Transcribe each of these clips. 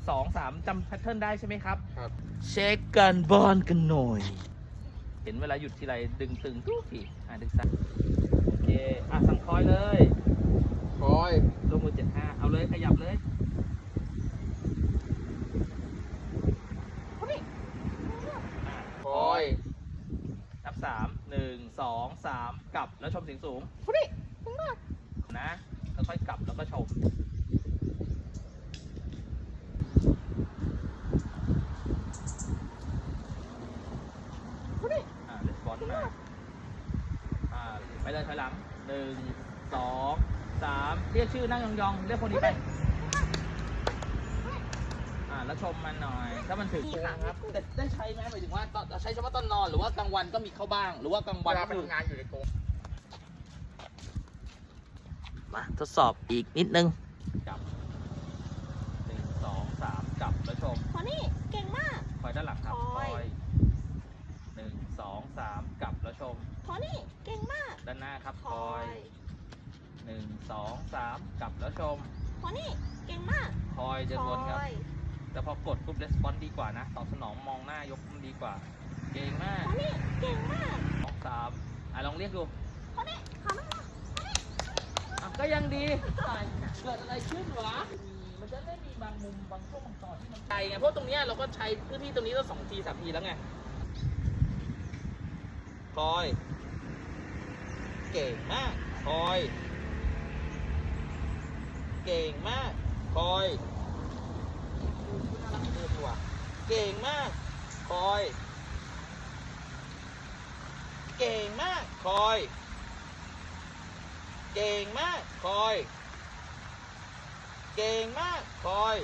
2 3จำแพทเทิร์นได้ใช่ไหมครับครับเช็คกันบอลกันหน่อย เห็นเวลาหยุดทีไรดึงตึงทุกทีดึงซ้ายโอเคสั่งคอยเลยคอยลงมือ75เอาเลยขยับเลยคอยนับ3 1 2 3กลับแล้วชมเสียงสูงนะแล้วค่อยกลับแล้วก็ชมレスปอนส์มาไปเลยถอยหลัง1 2 3เรียกชื่อนั่งยองๆเรียกคนนี้ไปแล้วชมมันหน่อยถ้ามันถึงครับแต่ได้ใช้ไหมหมายถึงว่าใช้เฉพาะตอนนอนหรือว่ากลางวันก็มีเข้าบ้างหรือว่ากลางเววันลาไปทำงานอยู่ในกรงมาทดสอบอีกนิดนึงจับ1 2 3จับแล้วชมพอนี่เก่งมากคอยด้านหลังครับคคออย ย1 2 3กลับแล้วชมพอนี่เก่งมากด้านหน้าครับคคออยย 1 2 3กลับแล้วชมพอนี่เก่งมากคอยเดินวนครับคอยแต่พอกดปุ๊บレスปอนส์ดีกว่านะตอบสนองมองหน้ายกมันดีกว่าเก่งมากพอนี่เก่งมาก 2 3ลองเรียกดูพอนี่ขาไม่มาก็ยังดีเกิดอะไรขึ้นวะมันจะได้มีบางมุมบางช่วงบางตอนที่มันไกลไงเพราะตรงเนี้ยเราก็ใช้พื้นที่ตรงนี้ก็2 ที 3 ทีแล้วไงคอยเก่งมากคอยเก่งมากคอยน่ารักเกินว่ะเก่งมากคอยเก่งมากคอยเก่งมากคอยเก่งมากคอย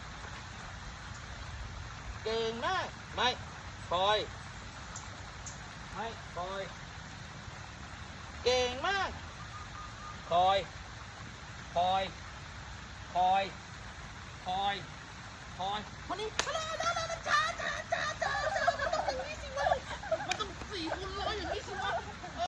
เก่งมากไม่คอยไม่คอยเก่งมากคอยคอยคอยคอยคอยคนนี้